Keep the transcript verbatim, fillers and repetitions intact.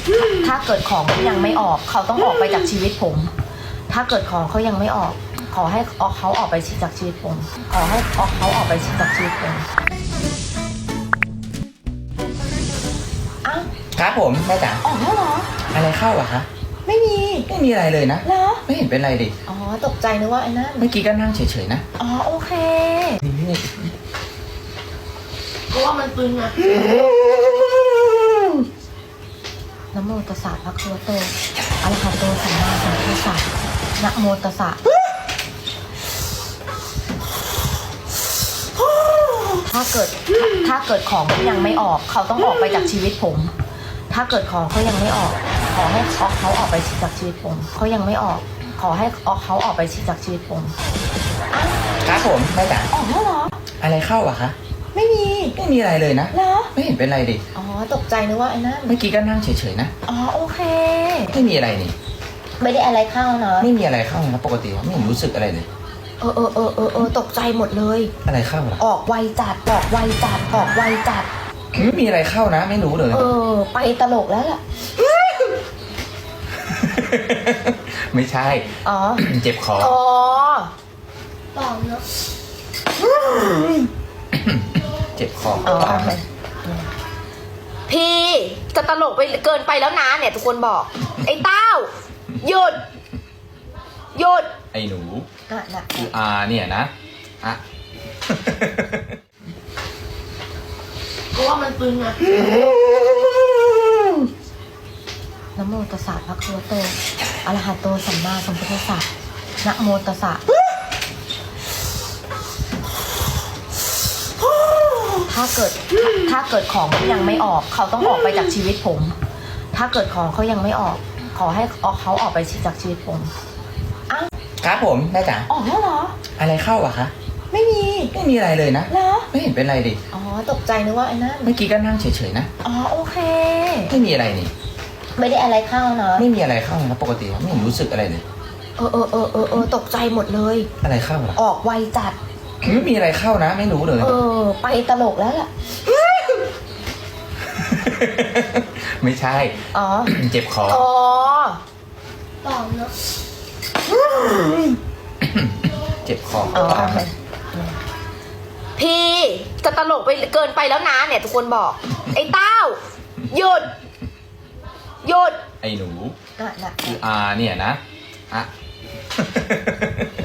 ถ้าเกิดของเขายังไม่ออกเขาต้องออกไปจากชีวิตผม ถ้าเกิดของเขายังไม่ออก ขอให้เขาออกไปจากชีวิตผม ขอให้เขาออกไปจากชีวิตผมอ้าวครับผมแม่จ๋าออกแล้วเหรออะไรเข้าอะคะไม่มีไม่มีอะไรเลยนะเหรอไม่เห็นเป็นไรดิอ๋อตกใจนึกว่าไอ้นั่นเมื่อกี้ก็นั่งเฉยๆนะอ๋อโอเคนี่เพราะว่ามันตึงอะนะโมตัสสะภะคะวะโตอะระหะโตสัมมาสัมพุทธัสสะนะโมตัสสะถ้าเกิดถ้าเกิดของเขายังไม่ออกเขาต้องออกไปจากชีวิตผม ถ้าเกิดของเขายังไม่ออก ขอให้เขาออกไปจากชีวิตผมเขายังไม่ออก ขอให้เขาออกไปจากชีวิตผมอ้าวครับผมแม่จ๋าออกแล้วเหรออะไรเข้าอะคะไม่มีไม่มีอะไรเลยนะเหรอไม่เห็นเป็นไรดิอ๋อตกใจนึกว่าไอ้นั่นเมื่อกี้ก็นั่งเฉยๆนะอ๋อโอเคไม่มีอะไรนี่ไม่ได้อะไรเข้าเนอะไม่มีอะไรเข้านะครับปกติไม่เห็นรู้สึกอะไรเลยเออเออเออเออเออตกใจหมดเลยอะไรเข้าล่ะออกไวจัดออกไวจัดออกไวจัดไม่มีอะไรเข้านะ ไม่รู้เลยเออ ไปตลกแล้วล่ะไม่ใช่อ๋อเจ็บคออ๋อปลอมเนาะเจ็บคออ๋อโอเคพี่จะตลกไปเกินไปแล้วนะเนี่ยทุกคนบอก ไอ้เต้าหยุดหยุดไอ้หนูอ่ะนะคืออาเนี่ยนะอะเพราะว่ามันตึงอะนะโมตัสสะภะคะวะโตอะระหะโตสัมมาสัมพุทธัสสะนะโมตัสสะถ้าเกิดถ้าเกิดของเขายังไม่ออกเขาต้องออกไปจากชีวิตผม ถ้าเกิดของเขายังไม่ออก ขอให้เขาออกไปจากชีวิตผมอ้าวครับผมแม่จ๋าออกแล้วเหรออะไรเข้าอะคะไม่มีไม่มีอะไรเลยนะเหรอไม่เห็นเป็นไรดิอ๋อตกใจนึกว่าไอ้นั่นเมื่อกี้ก็นั่งเฉยๆนะอ๋อโอเคไม่มีอะไรนี่ไม่ได้อะไรเข้าเนอะไม่มีอะไรเข้านะครับปกติไม่เห็นรู้สึกอะไรเลยเออเออเออเออเออตกใจหมดเลยอะไรเข้าล่ะออกไวจัดไม่มีอะไรเข้านะ ไม่รู้เลยเออ ไปตลกแล้วล่ะไม่ใช่อ๋อเจ็บคออ๋อปลอมเนาะเจ็บคออ๋อโอเคพี่จะตลกไปเกินไปแล้วนะเนี่ยทุกคนบอก ไอ้เต้าหยุดหยุดไอ้หนูอ่ะนะคืออาเนี่ยนะอะ